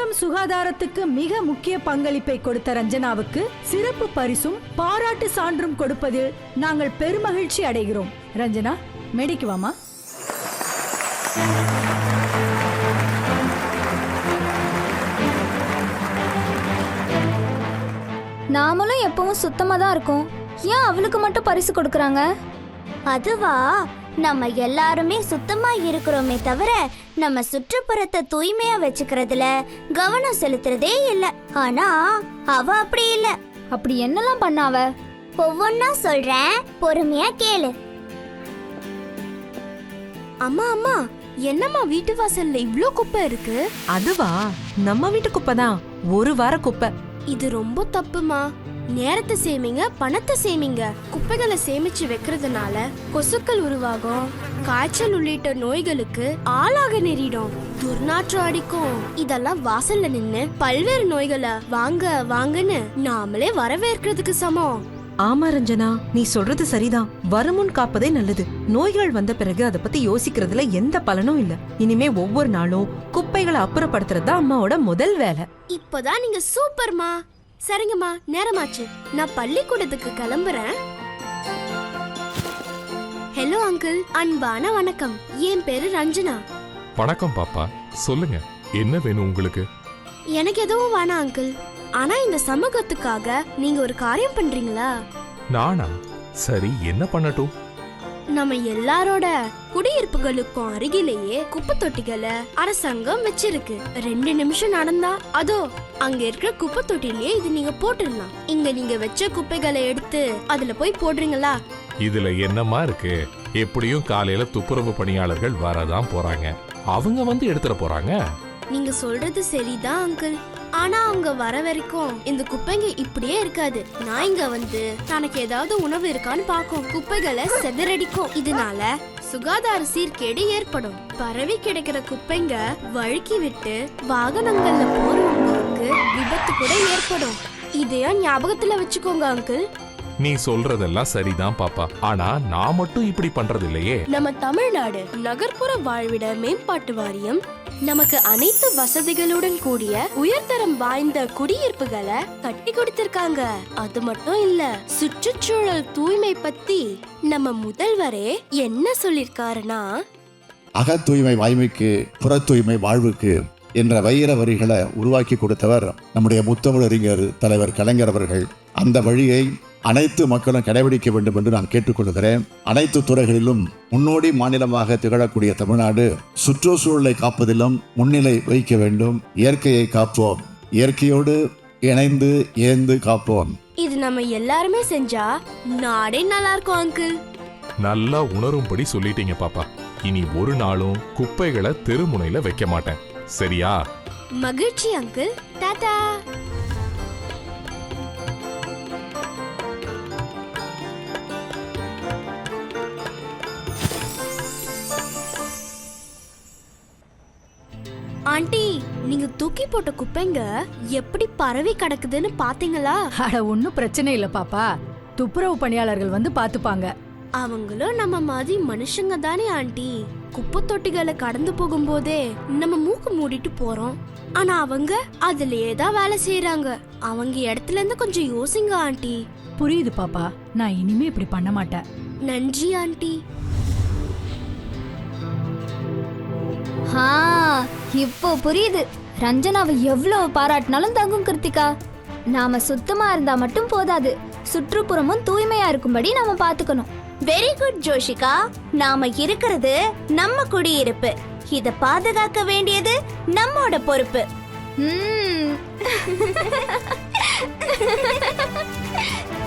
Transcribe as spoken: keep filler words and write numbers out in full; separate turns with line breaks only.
நகரம் சுகாதாரத்துக்கு மிக முக்கிய பங்களிப்பை கொடுத்த ரஞ்சனாவுக்கு சிறப்பு பரிசும் பாராட்டு சான்றும் கொடுப்பதில் நாங்கள் பெருமகிழ்ச்சி அடைகிறோம். ரஞ்சனா, மேடைக்கு வாமா.
நாமளும் எப்பவும் சுத்தமா தான் இருக்கோம், ஏன் அவளுக்கு மட்டும் பரிசு கொடுக்கறாங்க?
அதுவா, நம்ம எல்லாருமே சுத்தமா இருக்கிறோமே தவிர நம்ம சுற்றுப்புறத்தை தூய்மையா வச்சுக்கிறதுல கவனம் செலுத்துறதே இல்ல. ஆனா அவ அப்படி இல்ல.
அப்படி என்னெல்லாம் பண்ணாவ?
ஒவ்வொன்னா சொல்றேன், பொறுமையா கேளு.
அம்மா அம்மா, என்னம்மா வீட்டு வாசல்ல இவ்ளோ குப்பை இருக்கு?
அதுவா, நம்ம வீட்டு குப்பை தான், ஒரு வார குப்பை.
இது ரொம்ப தப்புமா. நேரத்தை சேமிங்க, பணத்தை சேமிங்க. குப்பைகளை சேமிச்சு வைக்கிறதுனால கொசுக்கள் உருவாகும், காய்ச்சல் உள்ளிட்ட நோய்களுக்கு ஆளாக நேரிடும், துர்நாற்றம் அடிக்கும். இதெல்லாம் வாசல்ல நின்னு பல்வேறு நோய்களை வாங்க வாங்கன்னு நாமளே வரவேற்கிறதுக்கு சமம்.
ஆமா ரஞ்சனா, நீ சொல்றது சரிதான். வருமுன் காப்பதே நல்லது. நோய்கள் வந்த பிறகு அதை பத்தி யோசிக்கிறதுல எந்த பலனும் இல்ல. இனிமே ஒவ்வொரு நாளும் குப்பைகளை அப்புறப்படுத்துறது அம்மாவோட முதல் வேலை.
இப்பதான் நீங்க சூப்பர்மா. சரிங்கம்மா, நேரமாச்சு, நான் பள்ளிக்கூடத்துக்கு கிளம்புறேன். ஹலோ அங்கிள், அன்பான வணக்கம். என் பேரு ரஞ்சனா.
வணக்கம் பாப்பா, சொல்லுங்க, என்ன வேணும் உங்களுக்கு?
எனக்கு எதுவும் வேணாம் அங்கிள். ஆனா இந்த சமூகத்துக்காக நீங்க ஒரு காரியம் பண்றீங்களா?
நானா? சரி, என்ன பண்ணட்டும்?
நம்ம எல்லாரோட குடியிருப்புகளுக்கும் அருகிலேயே குப்பை தொட்டிகளை அரசாங்கம் வச்சிருக்கு. ரெண்டு நிமிஷம் நடந்தா அதோ அங்க இருக்கிற குப்பை தொட்டிலேயே இது நீங்க போட்டுடலாம். இங்க நீங்க வச்ச குப்பைகளை எடுத்து அதுல போய் போடுறீங்களா?
இதுல என்னமா இருக்கு? எப்படியும் காலையில துப்புரவு பணியாளர்கள் வரதான் போறாங்க, அவங்க வந்து எடுத்துட போறாங்க.
நீங்க சொல்றது சரிதான் அங்கிள். ஆனா அவங்க வர வரைக்கும் இந்த குப்பைங்க இப்படியே இருக்காது. நான் இங்க வந்து தனக்கு ஏதாவது உணவு இருக்கான்னு பாக்கும், குப்பைகளை செதறடிக்கும். இதனால சுகாதார சீர்கேடு ஏற்படும். பரவி கிடைக்கிற குப்பைங்க வழுக்கி விட்டு வாகனங்கள்ல போறவங்களுக்கு விபத்து கூட ஏற்படும். இதையும் ஞாபகத்துல வச்சுக்கோங்க அங்கிள்.
நீ சொல்றதெல்லாம் சரிதான் பாப்பா, ஆனா நான் மட்டும் இப்படி பண்றது இல்லையே.
நம்ம தமிழ்நாடு நகர்ப்புற வாழ்விட மேம்பாட்டு வாரியம் நமக்கு அனைத்து வசதிகளுடன் கூடிய உயர்தரம் வாய்ந்த குடியிருப்புகளை கட்டி கொடுத்திருக்காங்க. அது மட்டும் இல்ல, சுற்றுச்சூழல் தூய்மை பத்தி நம்ம முதல்வரே என்ன சொல்லிருக்காருன்னா,
அக தூய்மை வாய்மைக்கு புற தூய்மை வாழ்வுக்கு என்ற வைர வரிகளை உருவாக்கி கொடுத்தவர் நம்முடைய முத்தமிழறிஞர் தலைவர் கலைஞர் அவர்கள். அந்த வழியை அனைத்து மக்களும் கடைபிடிக்க வேண்டும் என்று நான் கேட்டுக்கொள்கிறேன். அனைத்து துறைகளிலும் முன்னோடி மாநிலமாக திகழக்கூடிய தமிழ்நாடு சுற்றுச்சூழலை காப்பதிலும் முன்னிலை வைக்க வேண்டும். இயற்கையை காப்போம், இயற்கையோடு இணைந்து ஏந்து காப்போம்.
இது நம்ம எல்லாருமே செஞ்சா நாடே நல்லா இருக்கும் அங்கிள்.
நல்லா உணரும்படி சொல்லிட்டீங்க பாப்பா. இனி ஒரு நாளும் குப்பைகளை தெருமுனையில வைக்க மாட்டேன், சரியா?
மகிழ்ச்சி அங்கிள். டாடா. ஆண்டி, நீங்க தூக்கி போட்ட குப்பைங்க எப்படி பரவி கிடக்குதுன்னு பாத்தீங்களா?
அட, ஒன்னும் பிரச்சனை இல்ல பாப்பா, துப்புரவு பணியாளர்கள் வந்து பாத்துப்பாங்க.
அவங்களும் நம்ம மாதிரி மனுஷங்க தானே ஆண்டி. குப்பை தொட்டிகளை கடந்து போகும்போதே நம்ம மூக்கு மூடிட்டு போறோம். ஆனா அவங்க அதுலயே தான் வேலை செய்யறாங்க. அவங்க இடத்துல இருந்து கொஞ்சம் யோசிங்க ஆண்டி.
புரியுது பாப்பா, நான் இனிமே இப்படி பண்ண மாட்டேன்.
நன்றி ஆண்டி.
ஆ, இப்போ புரியுது. ரஞ்சனாவை எவ்வளவு பாராட்டினாலும் தங்கும் கிருத்திகா. நாம சுத்தமா இருந்தா மட்டும் போதாது, சுற்றுப்புறமும் தூய்மையா இருக்கும்படி நாம பாத்துக்கணும்.
Very good Joshika. நாம இருக்கிறது நம்ம குடியிருப்பு, இத பாதுகாக்க வேண்டியது நம்மோட பொறுப்பு.
ம்